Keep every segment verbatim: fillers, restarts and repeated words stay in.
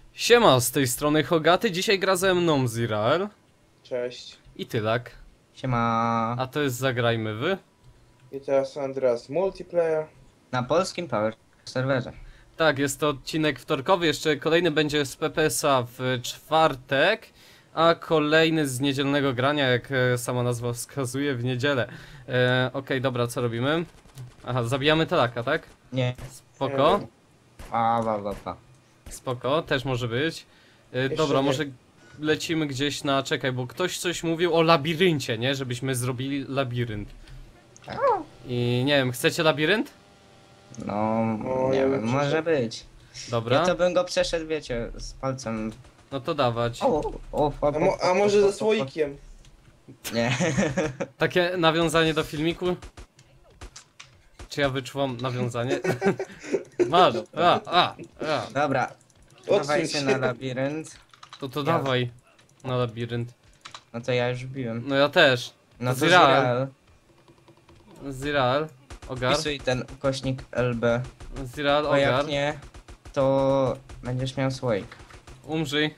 Siema, z tej strony Hogaty, dzisiaj gra ze mną Zirael Cześć. i Tylak. Siema. A to jest Zagrajmy Wy. I teraz Andreas Multiplayer. Na polskim Power serwerze. Tak, jest to odcinek wtorkowy, jeszcze kolejny będzie z P P S-a w czwartek, a kolejny z niedzielnego grania, jak e, sama nazwa wskazuje, w niedzielę. E, Okej, okay, dobra, co robimy? Aha, zabijamy Tylaka, tak? Nie. Spoko, Nie. A, wa, wa, wa. spoko, też może być. E, Jeszcze dobra, nie. może lecimy gdzieś na... Czekaj, bo ktoś coś mówił o labiryncie, nie? Żebyśmy zrobili labirynt. I nie wiem, chcecie labirynt? No, O, nie ja wiem, bym może przeszedł. być. Dobra, Ja to bym go przeszedł, wiecie, z palcem. no to dawać. O, o, o, o, A, mo a o, może o, o, ze o. słoikiem? Nie. Takie nawiązanie do filmiku? Czy ja wyczuwam nawiązanie? Masz! A, a, a. Dobra. Odsuń Dawajcie się. na labirynt. To to Ja. dawaj na labirynt. No to ja już biłem. No ja też. No to Zirael. Zirael. Zirael, ogar. Wpisuj ten ukośnik L B. Zirael, Bo jak ogar. nie, to będziesz miał słoik. Umrzyj.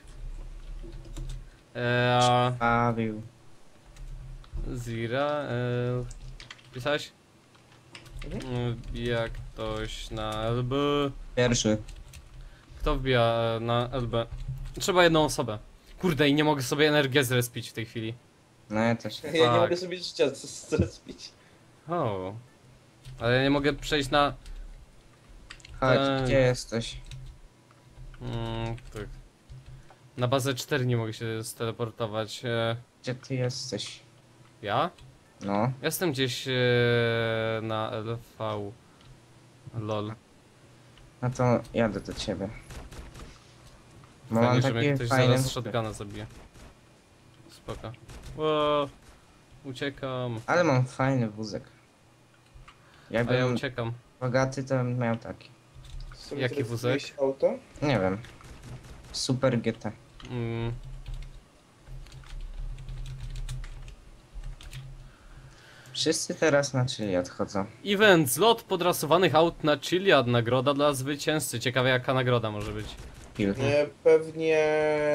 Eee, Bawił. Zirael. Pisałeś? Mhm. Jak ktoś na L B. Pierwszy. Kto wbija e, na L B? Trzeba jedną osobę. Kurde, i nie mogę sobie energię zrespić w tej chwili. No ja też. Ja nie Tak. mogę sobie życia zrespić. O. Ale ja nie mogę przejść na... Chodź, Eee. gdzie jesteś? Mm, tak. Na bazę cztery nie mogę się steleportować. E, Gdzie ty jesteś? ja? No. Jestem gdzieś e, na L V. Lol. No to jadę do ciebie. Bo Fajnie, mam że mnie takie ktoś fajne... zaraz shotguna zabije. Spoko. O, uciekam. Ale mam fajny wózek. A ja Jakbym uciekam. bogaty, to bym miał taki. Sobie Jaki teraz wózek? jakieś auto? Nie wiem. Super G T. Mm. Wszyscy teraz na czyli odchodzą. Event, zlot podrasowanych aut na Chiliad, nagroda dla zwycięzcy. Ciekawe jaka nagroda może być. Pil. Nie, pewnie...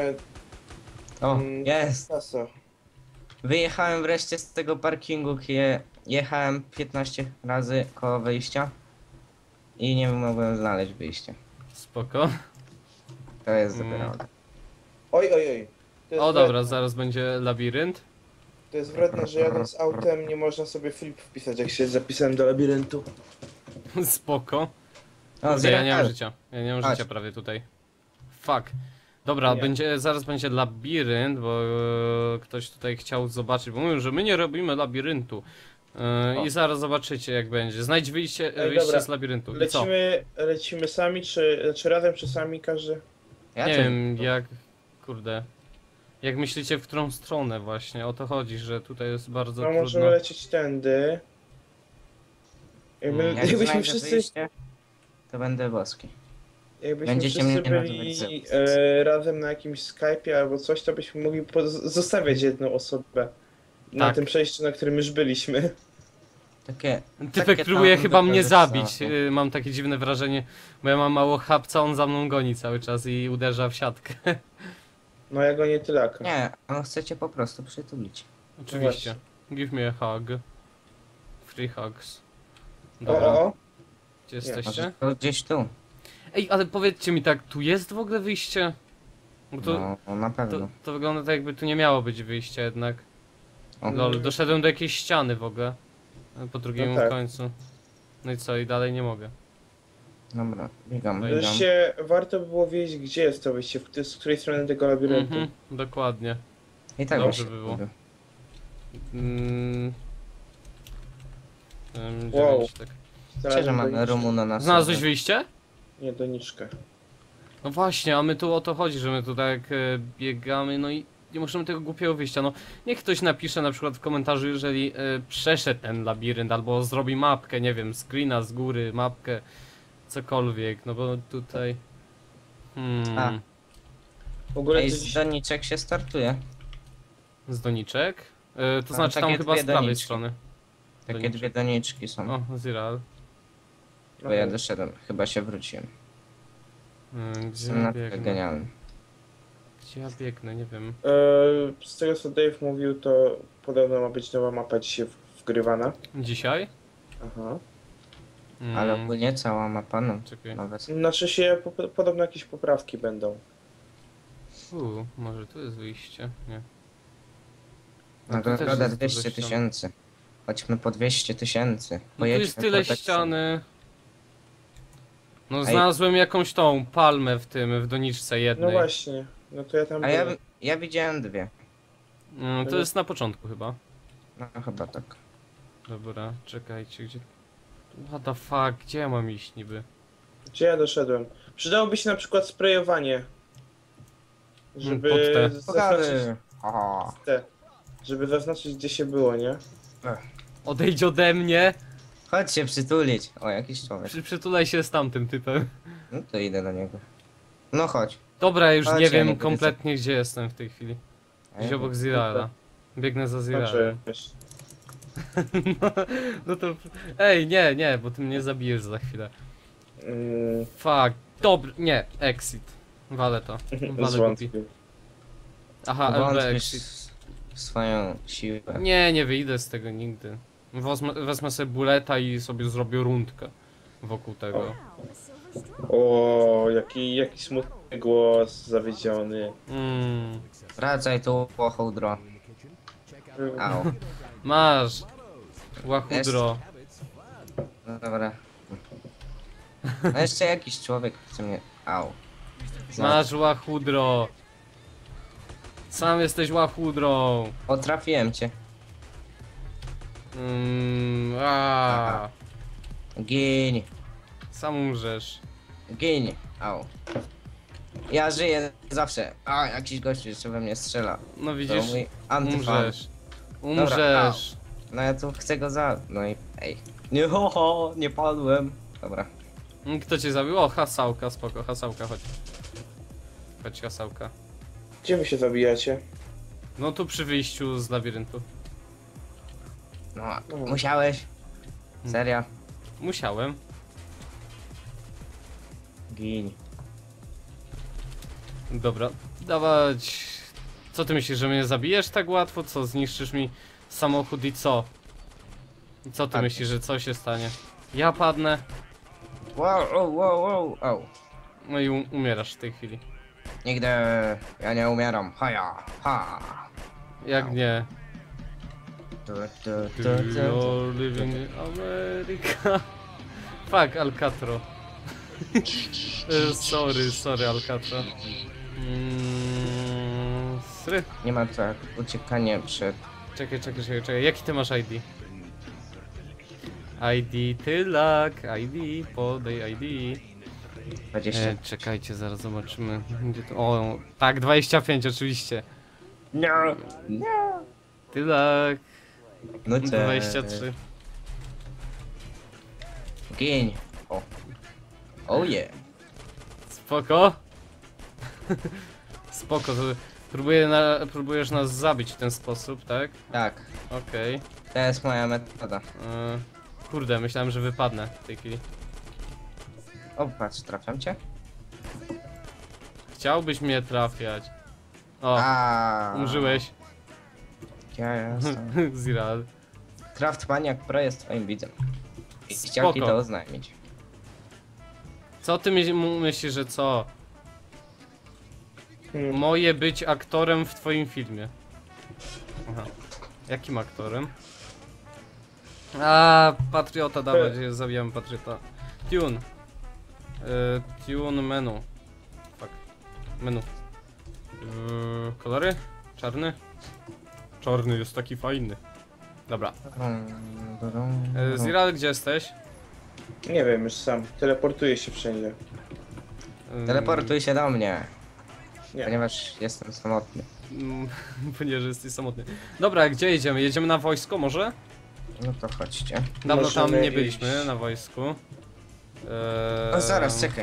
O, mm, jest! Kasa. Wyjechałem wreszcie z tego parkingu, gdzie jechałem piętnaście razy koło wyjścia. I nie mogłem znaleźć wyjścia. Spoko. To jest Mm. dopiero. Oj, oj, oj. To jest O dobra, wredne. zaraz będzie labirynt. To jest wredne, że jadąc autem nie można sobie flip wpisać, jak się zapisałem do labiryntu. Spoko. O, Kurde, ja nie mam Zirael. życia. Ja nie mam Chodź. życia prawie tutaj. Fuck. Dobra, Nie. będzie, zaraz będzie labirynt, bo e, ktoś tutaj chciał zobaczyć, bo mówią, że my nie robimy labiryntu. E, O. I zaraz zobaczycie jak będzie. Znajdź wyjście, Ej, wyjście dobra. z labiryntu. I co? Lecimy, lecimy sami, czy, czy razem, czy sami każdy? Ja Nie też- wiem jak... Kurde. Jak myślicie w którą stronę właśnie? O to chodzi, że tutaj jest bardzo No trudno. możemy lecieć tędy. Jakby, Mm. Jak jakbyśmy znajdę wszyscy, wyjście, to będę boski. jakbyśmy Będziecie wszyscy mnie byli nazywać e, razem na jakimś Skype'ie albo coś, to byśmy mogli poz- zostawiać jedną osobę na Tak. tym przejściu, na którym już byliśmy. Takie... Typek takie próbuje tam chyba mnie dobre zabić. są. y, Mam takie dziwne wrażenie, bo ja mam mało chapca, on za mną goni cały czas i uderza w siatkę. No ja go nie tylaka. Nie, on chce cię po prostu przytulić. Oczywiście. Give me a hug. Free hugs. O, Dobra, o, o. gdzie Może jesteście? to gdzieś tu. Ej, ale powiedzcie mi tak, tu jest w ogóle wyjście? Bo to, No, no na pewno. to, to wygląda tak jakby tu nie miało być wyjścia jednak. O, Lol, doszedłem do jakiejś ściany w ogóle. Po drugim No tak. końcu. No i co, i dalej nie mogę. Dobra, biegam, No i biegam. Wreszcie warto by było wiedzieć, gdzie jest to wyjście, w której- z której strony tego labiryntu. Mhm, dokładnie. I tak Dobrze właśnie by było. robię. Mm. Em, Wow. dziewięć, tak. Myślę, że mamy doniczkę. Rumuna na Znalazłeś sobie. wyjście? Nie, doniczkę. No właśnie, a my tu o to chodzi, że my tu tak e, biegamy, no i nie możemy tego głupiego wyjścia. No niech ktoś napisze na przykład w komentarzu, jeżeli e, przeszedł ten labirynt, albo zrobi mapkę, nie wiem, screena z góry, mapkę, cokolwiek, no bo tutaj... Hmm, A. W ogóle Ej, to z dziś... doniczek się startuje. z doniczek? E, to Tam znaczy tam takie chyba dwie z prawej doniczki. strony. Takie Doniczek. dwie doniczki są. O, Ziral. Bo ja doszedłem, chyba się wróciłem. Hmm, gdzie Jestem ja na tyle biegnę? genialny. Gdzie ja biegnę, nie wiem. Eee, z tego co Dave mówił, to podobno ma być nowa mapa dzisiaj w- wgrywana. Dzisiaj? Aha. Mm, Ale ogólnie cała mapa, no. Czekaj. Nawet. Znaczy się, po, podobno jakieś poprawki będą. Uuu, może tu jest wyjście? Nie. No tu też Nagroda jest dużo dwieście ścian. tysięcy. Chodźmy po dwieście tysięcy. No tu Pojedźmy jest tyle po tak- ściany. No Ej. znalazłem jakąś tą palmę w tym, w doniczce No jednej. właśnie, no to ja tam A ja, byłem. ja widziałem dwie. Mm, to jest na początku chyba. No chyba tak. Dobra, czekajcie, gdzie... What the fuck, gdzie ja mam iść niby? Gdzie ja doszedłem? Przydałoby się na przykład sprayowanie. Żeby pod te. zaznaczyć Pogady. Aha. te. Żeby zaznaczyć gdzie się było, nie? Odejdź ode mnie! Chodź się przytulić. O, jakiś człowiek. Przy, przytulaj się z tamtym typem. No to idę do niego. No chodź. Dobra, już Chodź, nie ja wiem nie będę kompletnie gdzie jestem w tej chwili. Gdzieś obok Zirala. Biegnę za Także Ziralem. wiesz. No, no to... Ej, nie, nie, bo ty mnie zabijesz za chwilę. Mm, Fuck, dobry, nie, exit. Walę to. Walę głupi. zwątpił. Aha, L B Wątpisz exit. w swoją siłę. Nie, nie wyjdę z tego nigdy. Wezmę, wezmę sobie buleta i sobie zrobię rundkę wokół tego. O, jaki, jaki smutny głos, zawiedziony. Mm. Wracaj tu, łochudro. Au. Masz! Łachudro. No dobra. No jeszcze jakiś człowiek chce mnie... Au. Masz łachudro. Sam jesteś łachudrą. O, trafiłem cię. Mm, a, Gin. sam umrzesz. Gin. Au. Ja żyję zawsze. A, jakiś gościu jeszcze we mnie strzela. No To widzisz? mój antyfan. Umrzesz. Umrzesz. No ja tu chcę go za... No i... Ej. Nie, ho, ho, nie padłem. Dobra. Mm, Kto cię zabił? O, hasałka, spoko, hasałka, chodź. Chodź, hasałka. Gdzie wy się zabijacie? No tu przy wyjściu z labiryntu. No, musiałeś. Serio. Musiałem. Gin. Dobra, dawać. Co ty myślisz, że mnie zabijesz tak łatwo? Co, zniszczysz mi samochód i co? I co ty Padniesz. myślisz, że co się stanie? Ja padnę, Wow, wow, wow, wow, au. no i um umierasz w tej chwili. Nigdy ja nie umieram. Haja, ha. Jak nie? Tu, tu, tu, Do tu, tu. you're living in America. Fuck, Alcatro. E, sorry, sorry, Alcatro. Mm, sry. Nie ma tak uciekanie przed... Czekaj, czekaj, czekaj, czekaj. Jaki ty masz I D? I D, tylak, I D, podaj I D. dwadzieścia. E, czekajcie, zaraz zobaczymy. Gdzie to? O, tak, dwadzieścia pięć oczywiście. Nie, nie. Tylak, No co? dwadzieścia trzy. Gin. O. Oh yeah. Spoko. Spoko, to próbuję na, próbujesz nas zabić w ten sposób, tak? Tak. Okej. To jest moja metoda. E, Kurde, myślałem, że wypadnę w tej chwili. O, patrz, trafiam cię. Chciałbyś mnie trafiać. O, A. umrzyłeś. Ja jestem. Ziral. Craftmaniak Pro jest twoim widzem. I chciał ci Spoko. to oznajmić. Co ty myśl, myślisz, że co? Hmm. Moje być aktorem w twoim filmie. Aha. Jakim aktorem? A, Patriota, dawać, zabijamy Patriota. Tune. Y, tune menu. Fuck. Menu. Y, kolory? Czarny? Czarny jest taki fajny. Dobra. Y, Ziral, gdzie jesteś? Nie wiem, już sam. Teleportuję się wszędzie. Y, Teleportuj się do mnie. Nie. Ponieważ jestem samotny. Mm, Ponieważ jesteś samotny. Dobra, gdzie jedziemy? Jedziemy na wojsko może? No to chodźcie. Dawno tam Możemy nie byliśmy iść. na wojsku. Eee... O, zaraz, czekaj.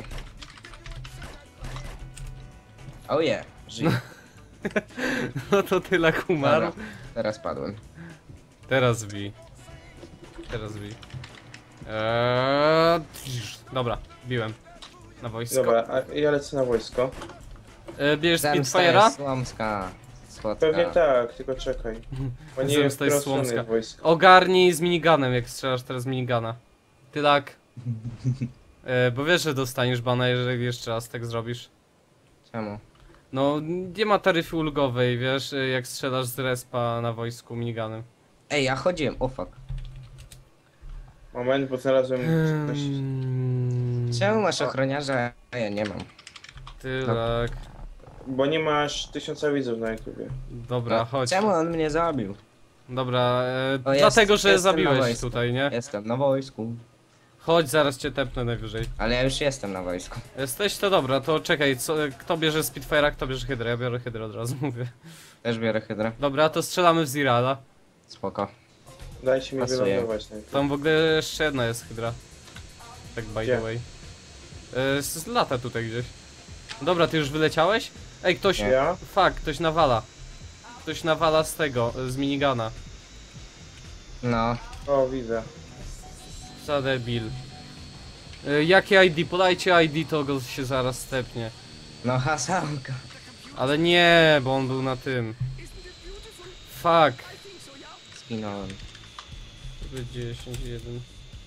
Oh yeah, żyję. No to tyle umarł. Dobra, teraz padłem. Teraz bij. Teraz bij. Eee... Dobra, biłem. Na wojsko. Dobra, a ja lecę na wojsko. E, bierzesz Zemsta Spitfire'a? jest słomska. Słodka. Pewnie tak, tylko czekaj. Bo nie wiem, w Zemsta jest którą stronę słomska. wojsko. Ogarnij z miniganem, jak strzelasz teraz z minigana. Tylak. E, bo wiesz, że dostaniesz bana, jeżeli jeszcze raz tak zrobisz. Czemu? No, nie ma taryfy ulgowej, wiesz, e, jak strzelasz z respa na wojsku miniganem. Ej, ja chodziłem, o fuck. Moment, bo znalazłem coś. Hmm, Czemu masz ochroniarza, a ja nie mam? Tylak. Bo nie masz tysiąca widzów na YouTubie. Dobra, No, chodź. czemu on mnie zabił? Dobra, e, O, jest- dlatego, że jestem na zabiłeś wojsku. tutaj, nie? Jestem na wojsku. Chodź, zaraz cię tepnę najwyżej. Ale ja już jestem na wojsku. Jesteś? To dobra, to czekaj, co, kto bierze Spitfire'a, kto bierze Hydrę? Ja biorę Hydrę od razu, mówię. Też biorę hydrę. Dobra, to strzelamy w Zirala. Spoko. Dajcie mi Pasuje. wylądować najpierw. Tam w ogóle jeszcze jedna jest Hydra. Tak by Gdzie? the way. E, z, z lata tutaj gdzieś. Dobra, ty już wyleciałeś? Ej, ktoś... Nie. Ja? Fuck, ktoś nawala. Ktoś nawala z tego, z minigana. No. O, widzę. Za debil. E, jakie I D? Podajcie I D, to go się zaraz stepnie. No hasanka. Ale nie, bo on był na tym. Fuck. Zginąłem. dziesięć, jeden.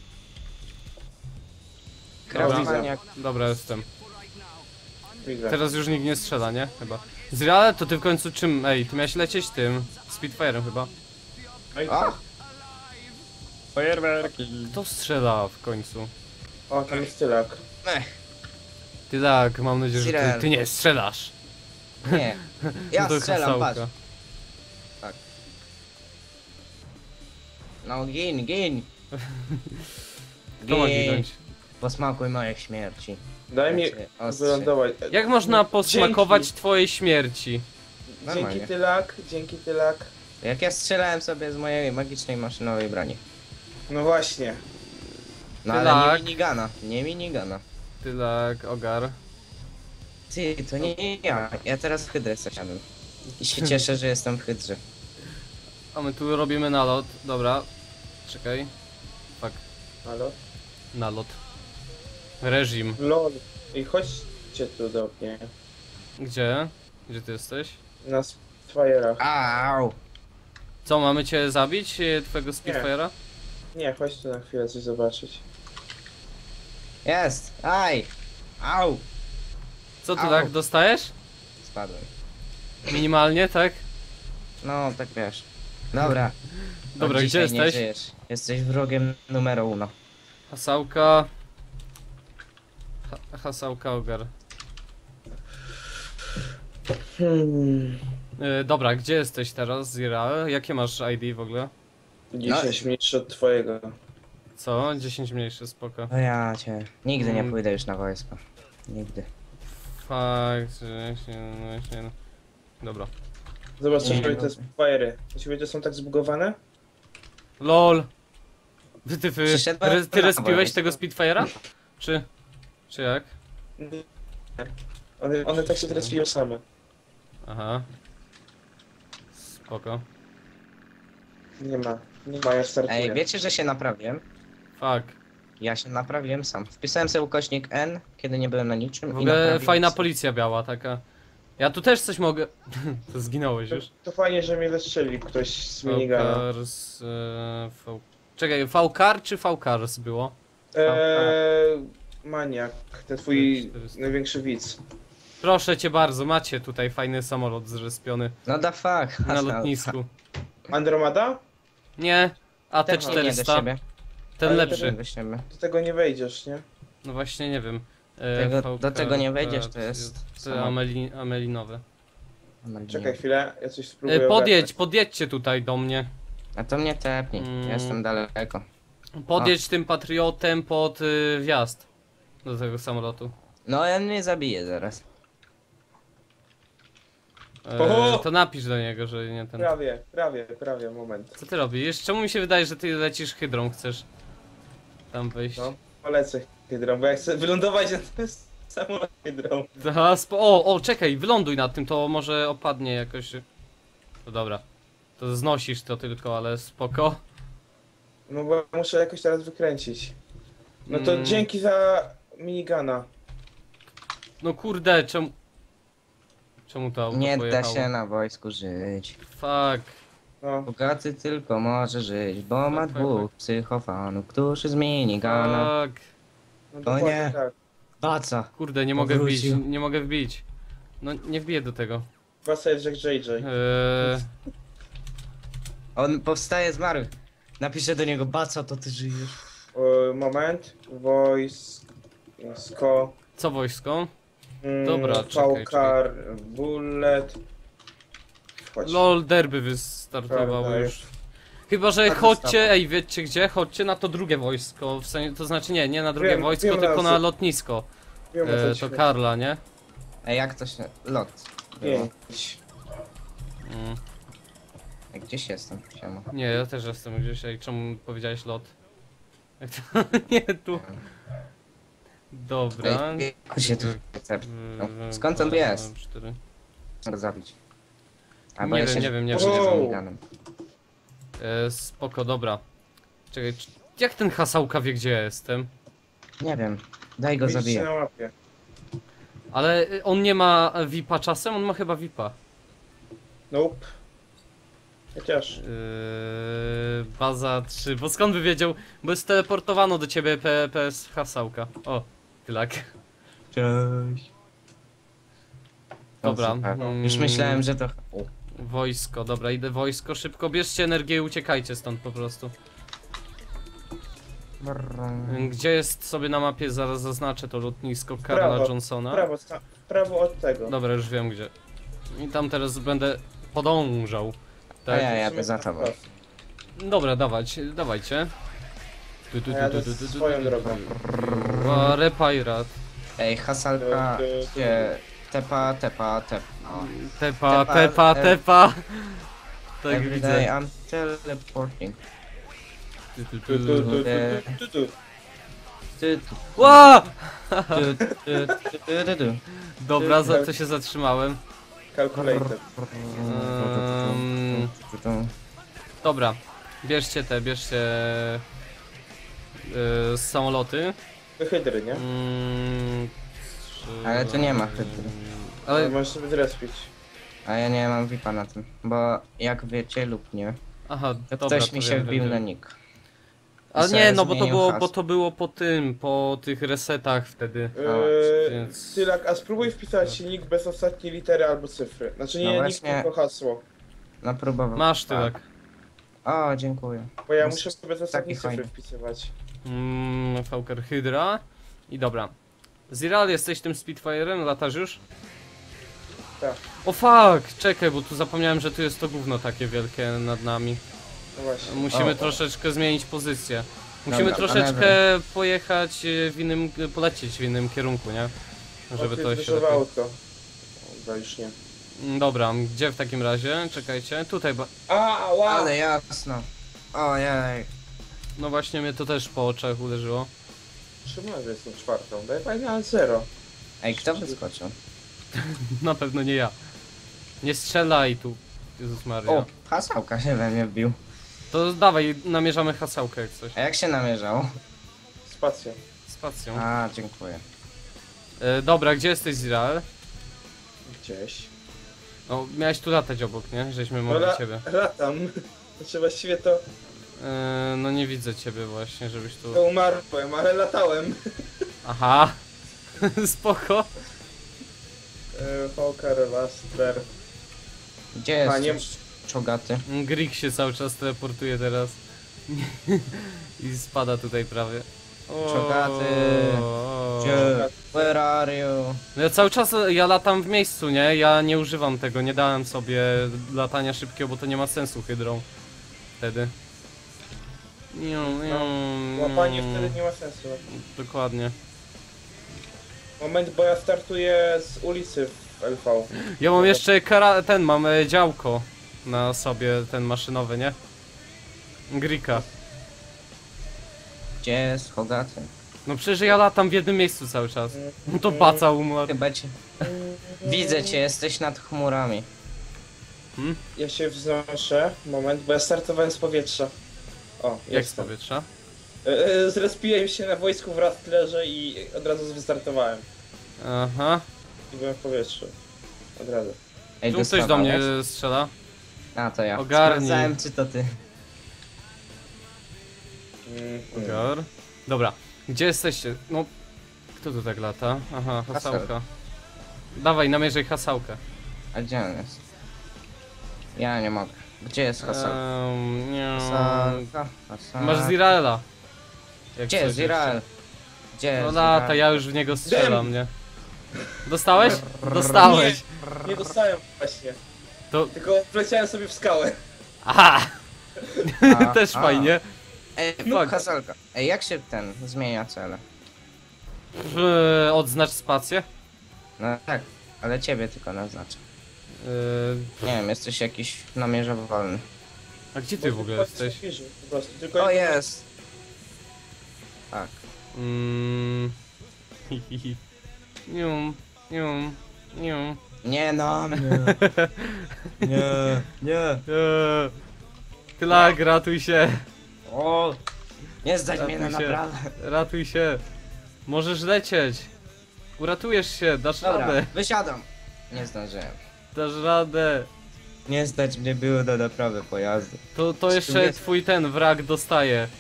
Krawaniak. Dobra, jestem. Widzę. Teraz już nikt nie strzela, nie? Chyba. Zreale, to ty w końcu czym? Ej, ty miałeś lecieć tym. Spitfire'em chyba. No i O! Fajerwerki. Kto strzela w końcu? O, tam jest tylak. Ech, Tylak, mam nadzieję, że ty, Zirel. ty nie strzelasz. nie. Ja No to strzelam, hasałka. patrz. No gin, gin. Kto ma ginąć? Posmakuj mojej śmierci. Daj mi Znaczy, ostrze. wylądować. Jak można posmakować Dzięki. twojej śmierci? Normalnie. Dzięki tylak, dzięki tylak. Jak ja strzelałem sobie z mojej magicznej maszynowej broni. No właśnie. No Ty ale lak. nie minigana, nie minigana. Tylak, ogar. Ty, to nie ja. Ja teraz hydrę zasiadłem. I się cieszę, że jestem w hydrze. A my tu robimy nalot. Dobra. Czekaj. Fuck. Halo? Nalot. Reżim. Lol. I chodźcie tu do mnie. Gdzie? Gdzie ty jesteś? Na Spitfire'ach. Au! Co, mamy cię zabić? e, Twojego Spitfire'a? Nie, chodź tu na chwilę coś zobaczyć. Jest! Aj! Au! Co ty Au. tak dostajesz? Spadłem. Minimalnie, tak? No, tak wiesz. Dobra. Dobra, Od gdzie dzisiaj nie jesteś? żyjesz. Jesteś wrogiem numer uno. Hasałka. Ha hasałka ogar. Hmm. E, dobra, gdzie jesteś teraz, Zira? Jakie masz I D w ogóle? dziesięć mniejszy od twojego. Co? dziesięć mniejszy, spoko. No ja cię. Nigdy nie Mm. pójdę już na wojsko. Nigdy. Fakt, że się, no się... no. Dobra. Zobacz, co Nie, robią no. te Spitfire'y. U ciebie to są tak zbugowane? LOL! Wy, ty, wy, Przyszedłem re, ty na respiłeś wojsko. tego Spitfire'a? Czy... Czy jak? Nie. One, one tak się teraz piją same. Aha. Spoko. Nie ma. Nie ma, ja startuję. Ej, wiecie, że się naprawiłem? Fuck. Ja się naprawiłem sam. Wpisałem sobie ukośnik N, kiedy nie byłem na niczym. W i ogóle naprawiłem fajna sobie. policja biała taka. Ja tu też coś mogę... To zginąłeś To, już. to fajnie, że mnie zastrzelił ktoś z minigana. Faukars... E, v... Czekaj, V-Car czy V-Cars było? Eee, maniak, ten twój czterysta. największy widz. Proszę cię bardzo, macie tutaj fajny samolot zrespiony No da fuck. na lotnisku. Andromeda? Nie, A T Też nie do czterysta, siebie. ten Ale lepszy. Do siebie. Do tego nie wejdziesz, nie? No właśnie, nie wiem. E, Tego- V do K, tego nie wejdziesz, T, to jest Te samo. ameli, amelinowe. Czekaj chwilę, ja coś spróbuję E, podjedź, ogarnąć. podjedźcie tutaj do mnie. A to mnie tepnij. Mm. Ja jestem daleko. Podjedź tym patriotem pod y, wjazd do tego samolotu. No on mnie zabije zaraz. E, Oho! to napisz do niego, że nie ten. Prawie, prawie, prawie, moment. Co ty robisz? Czemu mi się wydaje, że ty lecisz hydrą, chcesz tam wejść? No, polecę hydrą, bo ja chcę wylądować na tym samolot hydrą. Aha, spo- o, o, czekaj, wyląduj nad tym, to może opadnie jakoś. No dobra. To znosisz to tylko, ale spoko. No bo muszę jakoś teraz wykręcić. No to Mm. dzięki za minigana. No kurde, czemu... Czemu to auto Nie da pojechało? się na wojsku żyć. Fuck. No. Bogaty tylko może żyć, bo ma Tak, tak, dwóch psychofanów, którzy z minigana. Fuck. No O dokładnie nie. tak. Baca. Kurde, nie mogę wbić, Powrócił. nie mogę wbić. No nie wbiję do tego. Wracaj Jack J J. Eee, On powstaje z martwych. Napiszę do niego, Baca, to ty żyjesz. E, moment. Wojsko. co wojsko? Mm, Dobra, czekaj, Paukar, Bullet. Chodź. LOL derby wystartowało Prawda, już. Chyba, że Tak chodźcie, wystawa. ej wiecie gdzie? Chodźcie na to drugie wojsko. W sensie, to znaczy nie, nie na drugie Wiem, wojsko, wiem, tylko na na co- lotnisko. Wiem, o co E, ci to chodzi. Karla, nie? Ej, jak to się... Lot. było. Pięć. Mm. Ej, gdzieś jestem, siema. Nie, ja też jestem gdzieś. Ej, czemu powiedziałeś lot? Jak to? Nie, tu. Dobra. Ej, jak się tu recept. Mm, Skąd on dwa, jest? cztery. Chcę go zabić. Nie wiem, nie wiem, nie wiem. Przyjdę z Wow. miniganem. E, spoko, dobra. Czekaj, czy- jak ten hasałka wie gdzie ja jestem? Nie wiem. Daj go Widzicie zabiję. na mapie. Ale y, on nie ma V I P-a czasem? On ma chyba V I P-a. Nope. Chociaż. Yy, baza trzy, bo skąd by wiedział? Bo jest teleportowano do ciebie P P S hasałka. O, tylak. Cześć. Dobra. O, super. mm, Już myślałem, że to... O. Wojsko, dobra, idę wojsko, szybko bierzcie energię i uciekajcie stąd po prostu. Yy, Gdzie jest sobie na mapie, zaraz zaznaczę to lotnisko Karla Prawo, Johnsona. W prawo, sta- w prawo od tego. Dobra, już wiem gdzie. I tam teraz będę podążał. A Tak? ja W jadę sumie za tak tobą. prosto. Dobra, dawać, dawajcie. Tu, tu, A ja tu, tu, to tu, tu, swoją tu, drogą. tu. A, Repairat. Ej, hasalka Tu, tu, tu. się... Tepa, tepa, tepa. Tepa, Tepa, tepa, e- tepa. Tak Every widzę. day I'm teleporting. Tu, tu, Tu, tu. tu, tu, tu, tu, tu, tu. Ty, Ła! ty, ty, ty, ty, ty, ty. Dobra, za to się zatrzymałem. Calculator. Ehm, dobra, bierzcie te, bierzcie yy, samoloty. To hydry, nie? Mm, trzy- Ale tu nie ma hydry. Ale Ale, możesz sobie zrespić. A ja nie mam V I P-a na tym, bo jak wiecie lub nie, aha, to dobra, ktoś to mi się wiem, wbił wiem, na wiem. nick. Ale I nie, sobie no bo to zmienił było, hasło. bo to było po tym, po tych resetach wtedy. Eee, więc- Tylak, a spróbuj wpisać nick bez ostatniej litery albo cyfry. Znaczy nie No nick, właśnie. tylko hasło. No próbował. Masz tylak. O, dziękuję. Bo ja No, muszę sobie bez ostatniej taki cyfry fajny. wpisywać. Mm, Fauker Hydra. I dobra. Ziral, jesteś tym Spitfire'em? Latasz już? Tak. O fuck! Czekaj, bo tu zapomniałem, że tu jest to gówno takie wielkie nad nami. No właśnie. Musimy O. troszeczkę zmienić pozycję. Musimy Dobra, troszeczkę pojechać e, w innym, polecieć w innym kierunku, nie? Żeby to się Zdecydowało lepiej... auto. Chyba już nie. Mm, Dobra, gdzie w takim razie? Czekajcie, tutaj, ba... A, wow! Ale jasno. Ojej. no właśnie mnie to też po oczach uderzyło. Czemu ja jestem czwartą? Daj pani na zero. Ej, kto wyskoczył? Na pewno nie ja. Nie strzelaj tu, Jezus Maria. O, hasałka się we mnie wbił. To dawaj, namierzamy hasałkę jak coś. A jak się namierzał? Spacja. Spacją. A, dziękuję. E, dobra, gdzie jesteś Ziral? Gdzieś. No, miałeś tu latać obok, nie? Żeśmy No mogli la ciebie. latam. Znaczy właściwie to, E, no nie widzę ciebie właśnie, żebyś tu... to umarłem, ale latałem. Aha! Spoko. Eee, Hawker, Laster. Gdzie A, nie- jest czogaty? Grig się cały czas teleportuje teraz. I spada tutaj prawie. O, Czogaty. o. Gdzie? Where are you? No ja cały czas, ja latam w miejscu, nie? Ja nie używam tego, nie dałem sobie latania szybkiego, bo to nie ma sensu hydrą. Wtedy. Niu, niu, Łapanie niu. wtedy nie ma sensu. Dokładnie. Moment, bo ja startuję z ulicy w L V. Ja mam jeszcze kara, ten, mam e, działko na sobie, ten maszynowy, nie? Grika. Gdzie jest Hogaty? No przecież ja latam w jednym miejscu cały czas. No to baca umarł. Chyba cię... Widzę cię, jesteś nad chmurami. Hmm? Ja się wznoszę. Moment, bo ja startowałem z powietrza. O, Jak z jestem. powietrza? E, e, Zrespiłem się na wojsku w Rastlerze i od razu wystartowałem. Aha. I byłem w powietrzu. Od razu. Ej, Tu ktoś do mnie dostawałeś? strzela. A, to ja. Ogarnij. Sprawdzałem, czy to ty. Mm, Ogar. Dobra, gdzie jesteście? No, kto tu tak lata? Aha, hasałka. Haseł. Dawaj, namierzaj hasałkę. A gdzie on jest? Ja nie mogę. Gdzie jest Hasan? Um, nie. Hasanka, Hasanka. Masz Ziraela. Jak Gdzie coś jest Zirael? jeszcze. Gdzie jest No lata, Zirael? ja już w niego strzelam, Dem. nie? Dostałeś? Dostałeś. Nie dostałem właśnie. To... Tylko wleciałem sobie w skałę. Aha! A, Też a. fajnie. Ej, Fuck. Hasanka. Ej, jak się ten zmienia cele? W- Odznacz spację. No tak, ale ciebie tylko naznaczę. Yy, Nie wiem, jesteś jakiś namierzowalny. a gdzie ty w ogóle jesteś? Po prostu, tylko O, jest! Tak. Mm. hi, hi, hi. Nium, nium, nium. Nie no, mnie. Nie, nie. Eee, Klak, ratuj się. O! Nie zdać Ratuj mnie na się. naprawę. Ratuj się. Możesz lecieć. Uratujesz się, dasz Dobra, radę. wysiadam. Nie zdążyłem. Dasz radę. Nie zdać mnie było do naprawy pojazdu. To, to jeszcze jest? twój ten wrak dostaje.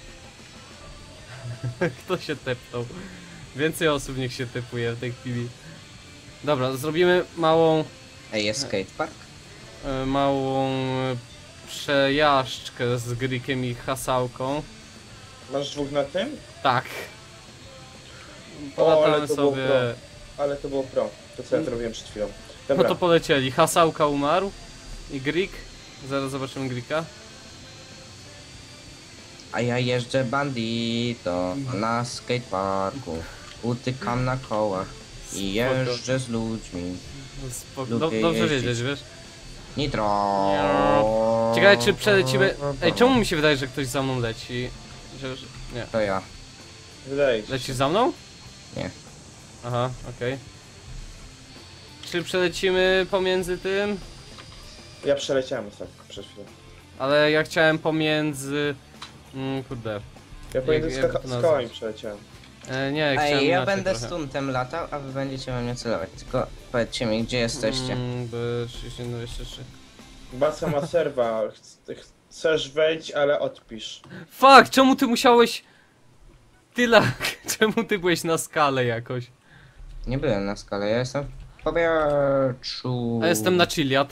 Kto się tepnął? Więcej osób niech się tepuje w tej chwili. Dobra, zrobimy małą, Ej, jest skatepark? e, małą e, przejażdżkę z Grikiem i Hasałką. Masz dwóch na tym? Tak. O, ale Polatamy to było sobie. pro. Ale to było pro. To co ja zrobiłem przed chwilą. No Dobra. to polecieli. Hasałka umarł. I Grik. Zaraz zobaczymy Grika. A ja jeżdżę bandito na skateparku. Utykam na kołach i jeżdżę z ludźmi. Spoko. Lubię Dob- dobrze jeździć. wiedzieć, wiesz? Nitro. Ciekawe czy przelecimy. Ej, czemu mi się wydaje, że ktoś za mną leci? Że, że... Nie. To ja. Wydaje się. Lecisz za mną? Nie. Aha, okej. Czy przelecimy pomiędzy tym? Ja przeleciałem tak przed chwilą. Ale ja chciałem pomiędzy... Mm, kurde. Ja pomiędzy Jak- jak skaka- to nazwać? skałami przeleciałem. E, nie, chciałem Ej, ja inaczej będę trochę. stuntem latał, a wy będziecie we mnie celować. Tylko powiedzcie mi, gdzie jesteście. Mm, B trzydzieści jeden dwadzieścia trzy. Baca ma serwa. Ch- Chcesz wejść, ale odpisz. Fuck, czemu ty musiałeś... Tylak, czemu ty byłeś na skale jakoś? Nie byłem na skale, ja jestem w powietrzu. A jestem na Chiliad.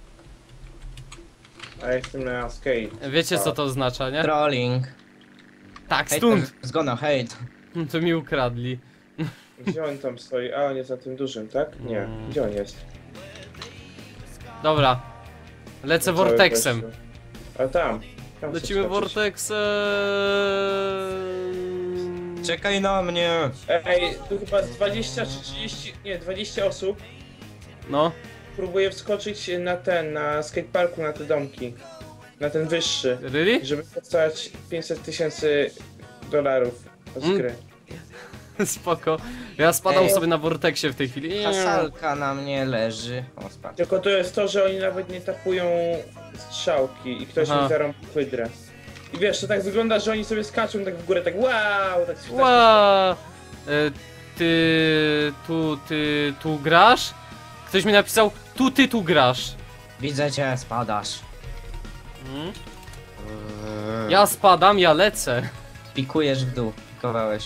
A ja jestem na skate. Wiecie co to oznacza, nie? Trolling. Tak, Hejter stąd! is gonna hate. To mi ukradli. Gdzie on tam stoi? A, on jest za tym dużym, tak? Nie. Mm. Gdzie on jest? Dobra. Lecę Cały Vortexem. gościu. A tam. tam Lecimy chcę skoczyć. Vortexem. Czekaj na mnie. Ej, tu chyba z dwadzieścia czy trzydzieści, nie, dwadzieścia osób No. próbuje wskoczyć na ten, na skateparku, na te domki. Na ten wyższy. Really? Żeby dostać pięćset tysięcy dolarów z Mm. gry. Spoko. Ja spadam Ej. sobie na Vortexie w tej chwili. Hasalka na mnie leży. O, spadł. Tylko to jest to, że oni nawet nie tapują strzałki i ktoś Aha. im zarąbił hydrę. I wiesz, to tak wygląda, że oni sobie skaczą tak w górę, tak wow, tak się Ła! E, Ty tu, ty tu grasz? Ktoś mi napisał, tu ty tu grasz. Widzę cię, spadasz. Hmm? Ja spadam, ja lecę. Pikujesz w dół. Pikowałeś.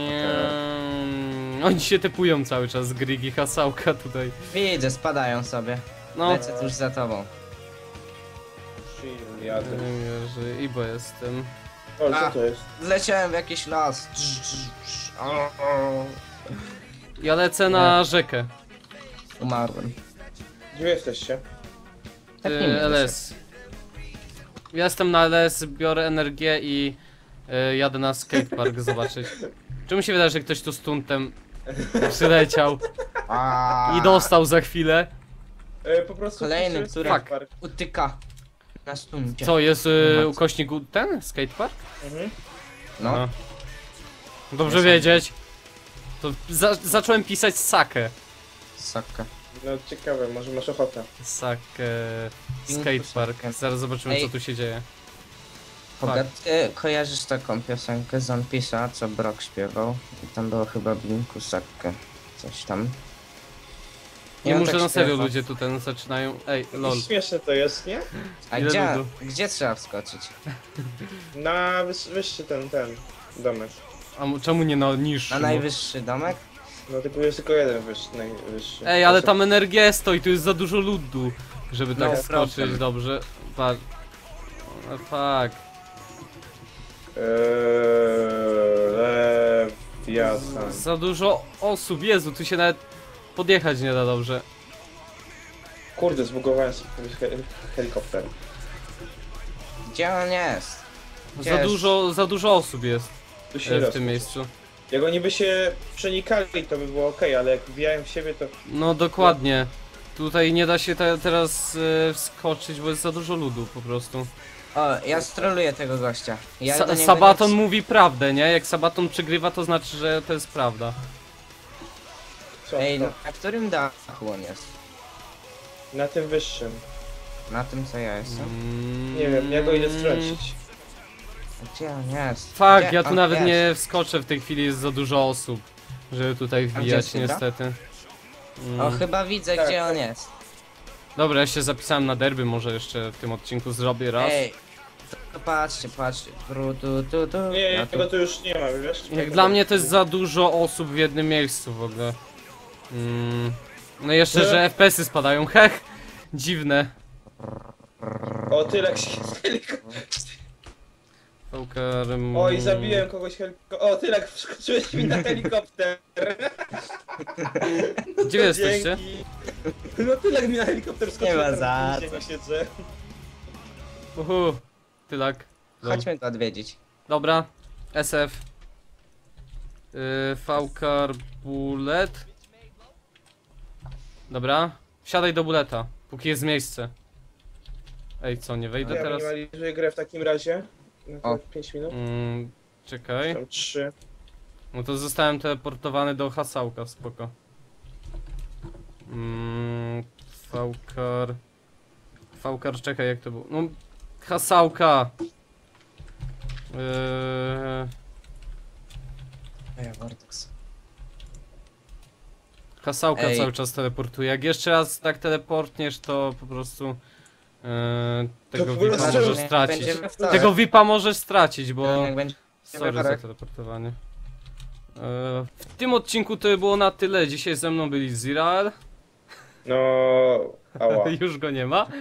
Mm, Oni się typują cały czas, Grigi, Hasałka tutaj. Widzę, spadają sobie. No. Lecę tuż za tobą. Chill, jadę. Nie że Ibo jestem. O, co A. to jest? Zleciałem w jakiś las. O, o. Ja lecę na rzekę. Umarłem. Gdzie wy jesteście? Tak nie Y, mówcie. L S. Ja jestem na L S, biorę energię i y, jadę na skatepark zobaczyć. Czy mi się wydaje, że ktoś tu stuntem przyleciał A. i dostał za chwilę? E, po prostu Kolejny, wskoczyłem w który- skatepark. Utyka. Na stuncie. Co, jest y, ukośnik u- ten? Skatepark? Mhm. No. Aha. Dobrze Nie wiedzieć. To za zacząłem pisać sakę. Saka. No ciekawe, może masz ochotę. Sakę. Pinku Skatepark. sakę. Zaraz zobaczymy Ej. co tu się dzieje. Pogat, e, kojarzysz taką piosenkę z One Piece'a, co Brock śpiewał? I tam było chyba Blinku Sakę. Coś tam. Nie Ja muszę tak na serio, śpiewam. ludzie tutaj zaczynają. Ej, lol. I śmieszne to jest, nie? A Ile gdzie, ludu? gdzie trzeba wskoczyć? Na wyż, wyższy ten, ten domek. A mu- czemu nie na niższy? Na no? najwyższy domek? No tylko jest tylko jeden wyższy, najwyższy. Ej, ale tam energia stoi, tu jest za dużo ludu, żeby tak No, skoczyć, problem. dobrze. Patrz. No, fuck. Eee, Lewiatan. Za dużo osób, Jezu, tu się nawet podjechać nie da dobrze. Kurde, zbugowałem sobie he helikopter. Gdzie on jest? Gdzie Za jest? dużo, za dużo osób jest Tu się e, nie w da tym miejscu. Jak oni by się przenikali, to by było ok, ale jak wbijają w siebie, to... No dokładnie. Tutaj nie da się te, teraz e, wskoczyć, bo jest za dużo ludu po prostu. O, ja stroluję tego gościa. Ja Sa do niego Sabaton nie... mówi prawdę, nie? Jak Sabaton przegrywa, to znaczy, że to jest prawda. Co? Ej, to? no, na którym dachu on jest? Na tym wyższym. Na tym co ja jestem? Mm. Nie wiem, ja go idę strącić. Gdzie on jest? Fuck, Gdzie ja tu on nawet jest? nie wskoczę w tej chwili, jest za dużo osób, żeby tutaj gdzie wbijać jest Hydra? niestety. Mm. O, chyba widzę Tak, gdzie tak. on jest. Dobra, ja się zapisałem na derby, może jeszcze w tym odcinku zrobię raz. Ej, to, to patrzcie, patrzcie. Tru, tu, tu, tu. Nie, Ja tu... tego tu już nie ma, wiesz? Jak dla mnie to jest za dużo osób w jednym miejscu w ogóle. Mm. No i jeszcze, Nie. że F P S-y spadają, hech! Dziwne. O, tyle się z helikopter. Poker, Oj, zabiłem kogoś helikopter. O, tyle wskoczyłeś mi na helikopter. Gdzie wy jesteście? Dzięki. No tyle mi na helikopter wskoczył. Nie ma tam za w ziemi siedzę. Uhu, tylak. Lol. Chodźmy go odwiedzić. Dobra, S F. Yy, V-Car Bullet. Dobra, wsiadaj do buleta, póki jest miejsce. Ej, co, nie wejdę Ja teraz? minimalizuję grę w takim razie. Na O. te pięć minut. Mm, czekaj. Tam trzy. No to zostałem teleportowany do hasałka, spoko. Mm, V-Car... V-Car, czekaj, jak to było? No, hasałka! Yy, Ej, Vortex. hasałka Ej. cały czas teleportuje. Jak jeszcze raz tak teleportniesz, to po prostu... Yy, tego po V I P-a prostu możesz stracić. Będziemy wstawać. Tego V I P-a możesz stracić, bo... Jak będzie... Sorry za wypadek. teleportowanie. Yy, w tym odcinku to było na tyle. Dzisiaj ze mną byli Zirael. No, ała. Już go nie ma.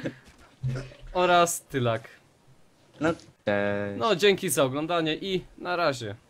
Oraz Tylak. No, cześć. No, dzięki za oglądanie i na razie.